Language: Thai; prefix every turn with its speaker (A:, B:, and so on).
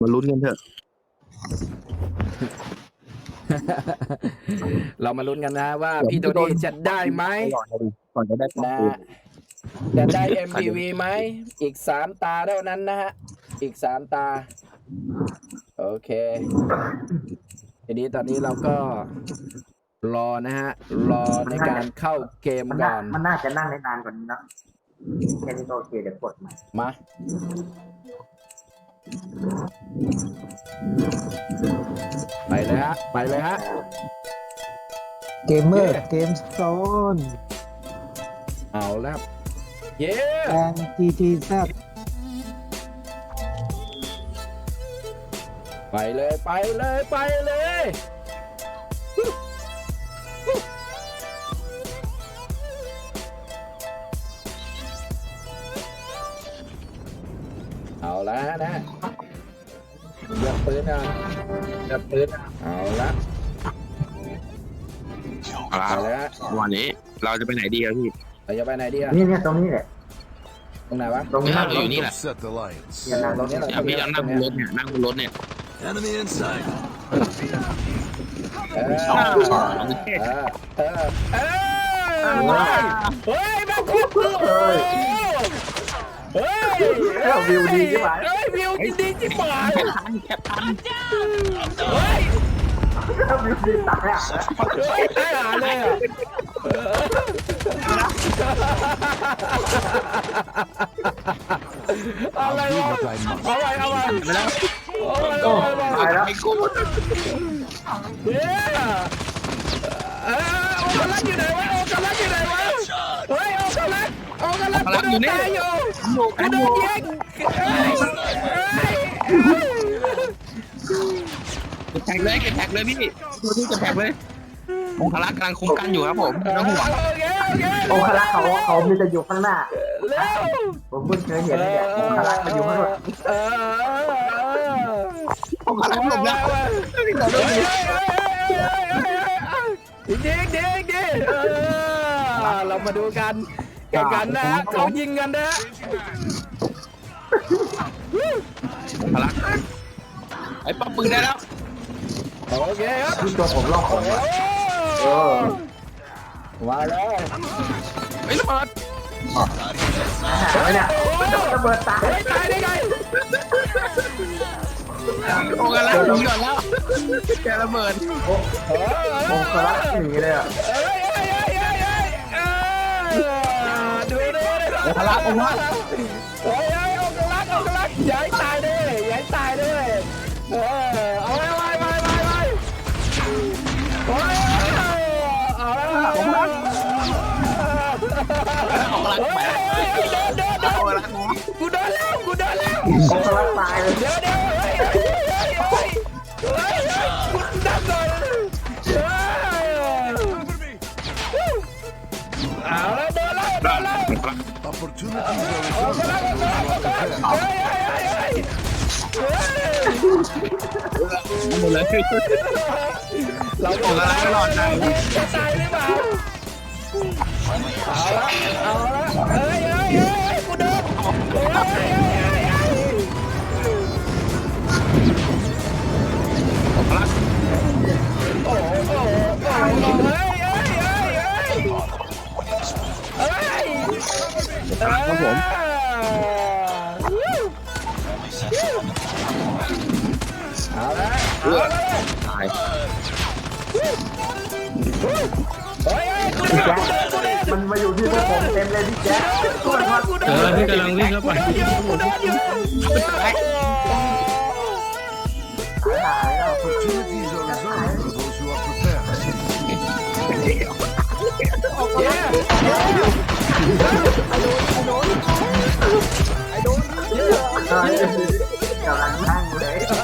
A: มาลุ้นกันเถอะ
B: เรามาลุ้นกันนะว่าพี่โทนี่จะได้ไหม
A: ก่อนจะได้ป้อง
B: นะ
A: ปืน
B: จะได้ MVP ไหมอีก3 ตาเท่านั้นนะฮะอีก3 ตาโอเคทีนี้ตอนนี้เราก็รอนะฮะรอในการเข้าเกมก่อน
C: มันน่าจะนั่งได้นานกว่านี้เนอะแค่นี้ก็โอเคเดี๋ยวกดใหม่
B: มาไปเลยฮะไปเลยฮะ
D: เกมเมอร์เกมโซน
B: เอาแล้วเย้
D: แอนจีจีแซด
B: ไปเลยไปเลยไปเลยเอาละนะเลือกปืนอ่ะเลือกปืนเอาละ
A: ครั
B: ไป
A: บ
B: แล้ว
A: วันนี้เราจะไปไหนดีครับพี่
B: เราจะไปไหนดีอะ
C: นี่ตรงนี้แหละ
B: ตรงไหนวะ
C: ตรงนี้
A: เราอยู่นี่แหละ
E: Set the lights.
C: เนี่ยนั่งตรงนี้
B: เรา
A: พี่เรานั่งบนรถเนี่ยนั่งบนรถเนี่ย
E: Enemy inside.
B: เออเออเฮ้ยแม่งโคตรคือเฮ้ย
C: วิวดีใช่ไหม
B: เฮ้ยวิวดีจิ๋วหาย
A: แคปทัน
B: เฮ้ย
C: วิวดีตายอ่ะ
B: เฮ้ยได้หาเลยอ่ะอะไรวะเอาไปเอาไปไปแล้วเอาไป
C: ตายแล้ว
A: ไอ้กู
B: เย้โอกาลักอยู่ไหนวะโอกาลักอยู่ไหนวะเฮ้ยโอกาลักกูโดนตายอยู่กูโดนยิง
A: แท็กเลยแท็กเลยพี่ตัวที่จะแท็กเลยองคลักษ์กำลังคุ้มกันอยู่ครับผมไม่ต้องห่วง
B: โอเคโอเค
C: องคลักษ์เขามีแต่อยู่ข้างหน้า
B: เร็ว
C: ผมเพิ่งเคยเห็นเนี่ยองคลักษ์มาอยู่ข้างหลัง
A: องคลักษ์หลบแล้ว
B: ดิดิดิเรามาดูกันแข่งกันนะเขายิงกันนะ
A: องคลักษ์ไอ้ป้อมปืนได้แล้ว
B: โอเคครับ
C: ที่ตัวผมลอกของ
B: มาแล้ว
A: ไอ้ระเบิด
C: หาเนี่ยระเบิดตาย
B: ตายได้ไง
A: องคลักษ์หนีก่อนแล้วแกระเบิด
C: องคลักษ์หนีเลยอ่ะ
B: ดูดู
A: องคลักษ์องคลักษ์
B: เฮ้ยองคลักษ์ย้ายตายด้วยย้ายตายด้วยเอาไว้เอาแล้ว
A: องคลักษ์ไป
B: กูโดนแล้ว
C: องคลักษ์ตายเลย
B: เดี๋ยวคุณดับเลยเอาแล้วโดนแล้ว
E: Opportunities are
B: เอากระลัก
A: หมดเลย
B: เรา
A: องคลักษ์รอดได้
B: จะตายหรือเปล่าเอาละเฮ้ยกูโดน
A: องคลักษ์
B: โอ้ครับผมเอาละ
A: ตาย
C: มันมาอยู่ที่พวกผมเต็มเลยพี่แจ๊คช่วยมา
A: พี่กำลังวิ่งเข้าไป
C: หายแล้ว
E: opportunities are reserved for those who are prepared.
C: กำลังนั่งเลย